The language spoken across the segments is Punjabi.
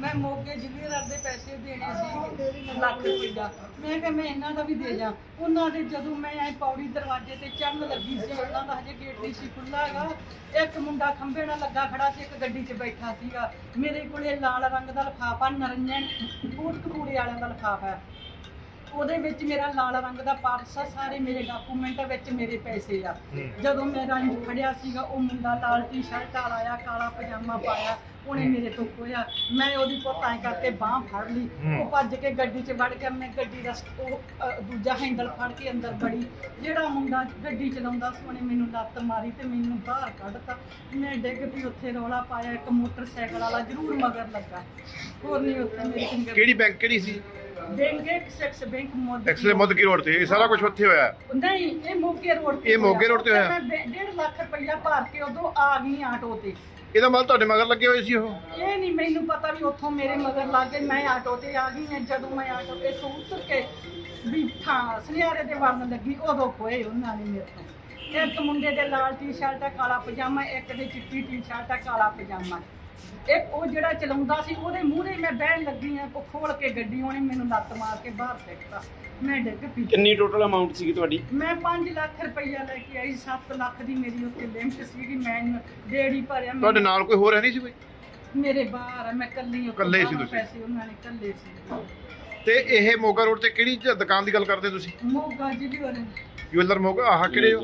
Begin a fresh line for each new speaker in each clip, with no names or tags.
मैं मोगे जवेरात ਦੇ ਪੈਸੇ ਦੇਣੇ ਸੀ ਲੱਖ ਰੁਪਈਆ। ਮੈਂ ਕਿਹਾ ਮੈਂ ਇਹਨਾਂ ਦਾ ਵੀ ਦੇ ਜਾ। ਉਹਨਾਂ ਦੇ ਜਦੋਂ ਮੈਂ ਐ ਪੌੜੀ ਦਰਵਾਜ਼ੇ ਤੇ ਚੜਨ ਲੱਗੀ ਸੀ, ਉਹਨਾਂ ਦਾ ਹਜੇ ਗੇਟ ਨਹੀਂ ਸੀ ਖੁੱਲ੍ਹਾ ਹੈਗਾ, ਇੱਕ ਮੁੰਡਾ ਖੰਭੇ ਨਾਲ ਲੱਗਾ ਖੜਾ ਸੀ, ਇੱਕ ਗੱਡੀ 'ਚ ਬੈਠਾ ਸੀਗਾ। ਮੇਰੇ ਕੋਲੇ ਲਾਲ ਰੰਗ ਦਾ ਲਿਫਾਫਾ ਨਰੰਜਨ ਕੋਟਕਪੂਰੇ ਵਾਲਿਆਂ ਦਾ ਲਿਫਾਫਾ ਹੈ, ਉਹਦੇ ਵਿੱਚ ਮੇਰਾ ਲਾਲ ਰੰਗ ਦਾ ਪਰਸ ਆ, ਸਾਰੇ ਮੇਰੇ ਡਾਕੂਮੈਂਟ ਵਿੱਚ ਮੇਰੇ ਪੈਸੇ ਆ। ਜਦੋਂ ਮੈਂ ਰੰਗ ਫੜਿਆ ਸੀਗਾ, ਉਹ ਮੁੰਡਾ ਲਾਲ ਟੀ-ਸ਼ਰਟ ਵਾਲਾ ਆਇਆ, ਕਾਲਾ ਪਜਾਮਾ ਪਾਇਆ, ਉਹਨੇ ਮੇਰੇ ਤੋਂ ਖੋਇਆ। ਮੈਂ ਉਹਦੀ ਪੁੱਤਾਂ ਕਰਕੇ ਬਾਂਹ ਫੜ ਲਈ, ਉਹ ਭੱਜ ਕੇ ਗੱਡੀ 'ਚ ਵੜ ਗਿਆ। ਮੈਂ ਗੱਡੀ ਦਾ ਦੂਜਾ ਹੈਂਡਲ ਫੜ ਕੇ ਅੰਦਰ ਵੜੀ। ਜਿਹੜਾ ਮੁੰਡਾ ਗੱਡੀ ਚਲਾਉਂਦਾ ਸੀ ਉਹਨੇ ਮੈਨੂੰ ਲੱਤ ਮਾਰੀ ਤੇ ਮੈਨੂੰ ਬਾਹਰ ਕੱਢਤਾ। ਮੈਂ ਡਿੱਗ ਪਈ, ਉੱਥੇ ਰੌਲਾ ਪਾਇਆ। ਇੱਕ ਮੋਟਰਸਾਈਕਲ ਵਾਲਾ ਜ਼ਰੂਰ ਮਗਰ ਲੱਗਾ, ਹੋਰ ਨਹੀਂ ਉੱਥੇ ਮੇਰੇ ਫਿੰਗਰ।
ਕਿਹੜੀ ਬੈਂਕ ਕਿਹੜੀ ਸੀ?
ਬੈਂਕ ਐਕਸਿਸ ਬੈਂਕ ਮੋਦੀ
ਐਕਸਲੇ ਮੁੱਦਕੀ ਰੋਡ ਤੇ ਇਹ ਸਾਰਾ ਕੁਝ ਉੱਥੇ ਹੋਇਆ?
ਨਹੀਂ, ਇਹ ਮੋਗੇ ਰੋਡ ਤੇ।
ਇਹ ਮੋਗੇ ਰੋਡ ਤੇ ਹੋਇਆ?
ਮੈਂ 1.5 ਲੱਖ ਰੁਪਈਆ ਭਰ ਕੇ ਉਦੋਂ ਆ ਗਈ ਆਟੋ ਤੇ।
ਇਹਦਾ ਮਤਲਬ ਤੁਹਾਡੇ ਮਗਰ ਲੱਗੇ ਹੋਏ ਸੀ ਉਹ?
ਇਹ ਨਹੀਂ ਮੈਨੂੰ ਪਤਾ ਵੀ ਉੱਥੋਂ ਮੇਰੇ ਮਗਰ ਲੱਗ ਗਏ। ਮੈਂ ਆਟੋ ਤੇ ਆ ਗਈ ਹਾਂ। ਜਦੋਂ ਮੈਂ ਆਟੋ ਤੇ ਤੋਂ ਉਤਰ ਕੇ ਵੀ ਥਾਂ ਸੁਨਿਆਰੇ ਦੇ ਵੜਨ ਲੱਗੀ, ਉਦੋਂ ਖੋਏ ਉਹਨਾਂ ਨੇ ਮੇਰੇ ਤੋਂ। ਇੱਕ ਮੁੰਡੇ ਦੇ ਲਾਲ ਟੀ-ਸ਼ਰਟ ਆ, ਕਾਲਾ ਪਜਾਮਾ, ਇੱਕ ਦੇ ਚਿੱਟੀ ਟੀ-ਸ਼ਰਟ ਆ, ਕਾਲਾ ਪਜਾਮਾ। ਇੱਕ ਉਹ ਜਿਹੜਾ ਚਲਾਉਂਦਾ ਸੀ, ਉਹਦੇ ਮੂਹਰੇ ਮੈਂ ਬਹਿਣ ਲੱਗੀ ਆ, ਉਹ ਖੋਲ ਕੇ ਗੱਡੀ ਉਹਨੇ ਮੈਨੂੰ ਲੱਤ ਮਾਰ ਕੇ ਬਾਹਰ ਫੇਕਤਾ। ਮੈਂ ਡਿੱਗ ਪਈ।
ਕਿੰਨੀ ਟੋਟਲ ਅਮਾਉਂਟ ਸੀਗੀ ਤੁਹਾਡੀ?
ਮੈਂ 5 ਲੱਖ ਰੁਪਈਆ ਲੈ ਕੇ ਆਈ। 7 ਲੱਖ ਦੀ ਮੇਰੀ ਉੱਤੇ ਲਿਮਟ ਸੀਗੀ। ਮੈਂ ਡੇੜੀ ਭਰਿਆ।
ਤੁਹਾਡੇ ਨਾਲ ਕੋਈ ਹੋਰ ਹੈ ਨਹੀਂ ਸੀ ਕੋਈ?
ਮੇਰੇ ਬਾਹਰ ਆ, ਮੈਂ ਕੱਲੀ
ਇਕੱਲੇ ਸੀ ਤੁਸੀਂ?
ਪੈਸੇ ਉਹਨਾਂ ਨੇ ਕੱਲੇ ਸੀ।
ਤੇ ਇਹ ਮੋਗਾ ਰੋਡ ਤੇ ਕਿਹੜੀ ਦੁਕਾਨ ਦੀ ਗੱਲ ਕਰਦੇ ਤੁਸੀਂ?
ਮੋਗਾ ਜਿਹੜੀ ਵਾਲੇ
ਜੁਐਲਰ ਮੋਗਾ, ਆਹ ਕਿਹੜੇ?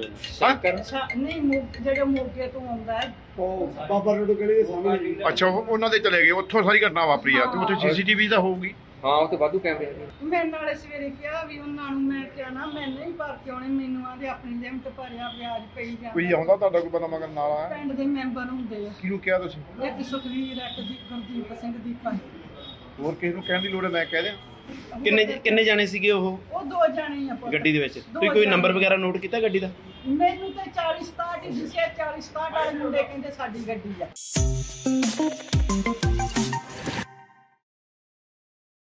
ਨਹੀਂ, ਜਿਹੜੇ ਮੋਗੇ ਤੋਂ ਆਉਂਦਾ ਹੈ।
ਬਾਬਾ ਰੋਡ ਗਲੀ ਦੇ ਸਾਹਮਣੇ।
ਅੱਛਾ, ਉਹਨਾਂ ਦੇ ਚਲੇ ਗਏ, ਉੱਥੋਂ ਸਾਰੀ ਘਟਨਾ ਵਾਪਰੀ ਆ। ਤੇ ਉੱਥੇ ਸੀਸੀਟੀਵੀ ਤਾਂ ਹੋਊਗੀ?
ਹਾਂ, ਉੱਥੇ ਵਾਧੂ ਕੈਮਰੇ ਹੈਗੇ।
ਮੈਂ ਨਾਲੇ ਸਵੇਰੇ ਕਿਹਾ ਵੀ ਉਹਨਾਂ ਨੂੰ, ਮੈਂ ਕਿਹਾ ਨਾ ਮੈਂ ਨਹੀਂ ਭਰ ਕੇ ਆਉਣੇ, ਮੈਨੂੰ ਆਂਦੇ ਆਪਣੀ ਲਿਮਟ ਭਰਿਆ, ਵਿਆਜ ਪਈ ਜਾਂਦਾ।
ਕੋਈ ਆਉਂਦਾ ਤੁਹਾਡਾ ਕੋਈ ਬੰਦਾ ਮਗਰ ਨਾਲ ਆਇਆ?
ਪਿੰਡ ਦੇ ਮੈਂਬਰ ਹੁੰਦੇ ਆ,
ਕਿਹਨੂੰ ਕਿਹਾ ਤੁਸੀਂ?
ਇੱਕ ਸੁਖਵੀਰ, ਇੱਕ ਗੁਰਦੀਪ ਸਿੰਘ ਦੀਪਾ।
ਹੋਰ ਕਿਸੇ ਨੂੰ ਕਹਿਣ ਦੀ ਲੋੜ ਹੈ? ਮੈਂ ਕਹਿ ਦਿਆਂ।
ਕਿੰਨੇ ਜਾਣੇ ਸੀਗੇ ਉਹ
ਉਹ 2 ਜਾਣੇ ਆ ਪੁੱਤ।
ਗੱਡੀ ਦੇ ਵਿੱਚ? ਤੁਸੀਂ ਕੋਈ ਨੰਬਰ ਵਗੈਰਾ ਨੋਟ ਕੀਤਾ ਗੱਡੀ ਦਾ?
ਮੈਨੂੰ ਤੇ 40 67 ਹੀ ਦਿਸਿਆ। 40 67 ਵਾਲੇ ਮੁੰਡੇ ਕਹਿੰਦੇ ਸਾਡੀ ਗੱਡੀ ਆ।